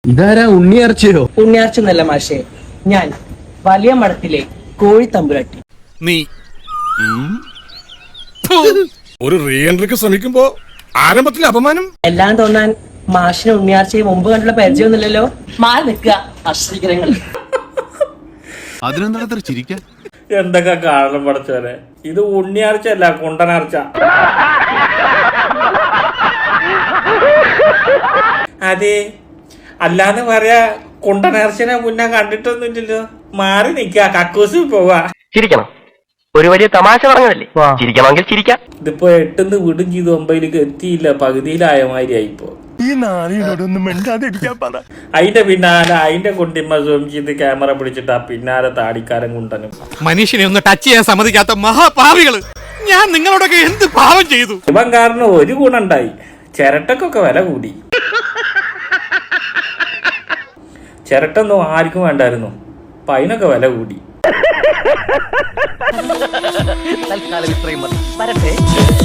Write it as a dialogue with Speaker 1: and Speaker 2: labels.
Speaker 1: ഇതാരാ ഉണ്ണിയാർച്ചയോ?
Speaker 2: ഉണ്ണിയാർച്ച എന്നല്ല മാഷേ, ഞാൻ വലിയ മഠത്തിലെ കോഴി തമ്പുരാട്ടി.
Speaker 3: നീ ഒരു റീ എൻട്രിക്ക് ശ്രമിക്കുമ്പോ ആരംഭത്തിൽ അപമാനം.
Speaker 2: എല്ലാം തോന്നാൻ മാഷിനെ ഉണ്ണിയാർച്ചയെ മുമ്പ് കണ്ടുള്ള പരിചയമൊന്നുമില്ലല്ലോ. മാറി നിൽക്കുക അശ്രീകരങ്ങൾ.
Speaker 4: അതിനെന്താ ചിരിക്കാൻ?
Speaker 5: എന്തൊക്കെ കാണണം പഠിച്ചോനെ. ഇത് ഉണ്ണിയാർച്ച അല്ല, കുണ്ടനാർച്ച. അതെ, അല്ലാന്ന് പറയാ കുണ്ടനാർച്ചനെ മുന്നേ കണ്ടിട്ടൊന്നുമില്ലല്ലോ. മാറി നിക്ക, കക്കൂസി പോവാ.
Speaker 6: ചിരിക്കണം, ഒരു വലിയ തമാശ പറഞ്ഞതല്ലേ, ചിരിക്കണമെങ്കിൽ ചിരിക്കാം.
Speaker 5: ഇതിപ്പോ 8 വിടും ചെയ്ത് 9 എത്തിയില്ല, പകുതിയിലായ മാതിരി ആയിപ്പോ. അതിന്റെ പിന്നാലെ അതിന്റെ കുണ്ടിമ്മ സൂം ചെയ്ത് ക്യാമറ പിടിച്ചിട്ട് പിന്നാലെ താടിക്കാരൻ കുണ്ടനും.
Speaker 3: മനുഷ്യനെ ഒന്ന് ടച്ച് ചെയ്യാൻ സമ്മതിക്കാത്ത മഹാപാവികള്, ഞാൻ നിങ്ങളോടൊക്കെ എന്ത് പാവം ചെയ്തു.
Speaker 5: ഇവൻ കാരണം ഒരു ഗുണുണ്ടായി, ചിരട്ടക്കൊക്കെ വില കൂടി. ചിരട്ടൊന്നും ആർക്കും വേണ്ടായിരുന്നു, അപ്പൊ അതിനൊക്കെ വില കൂടി.
Speaker 6: തൽക്കാലം ഇത്രയും മതി. വരട്ടെ.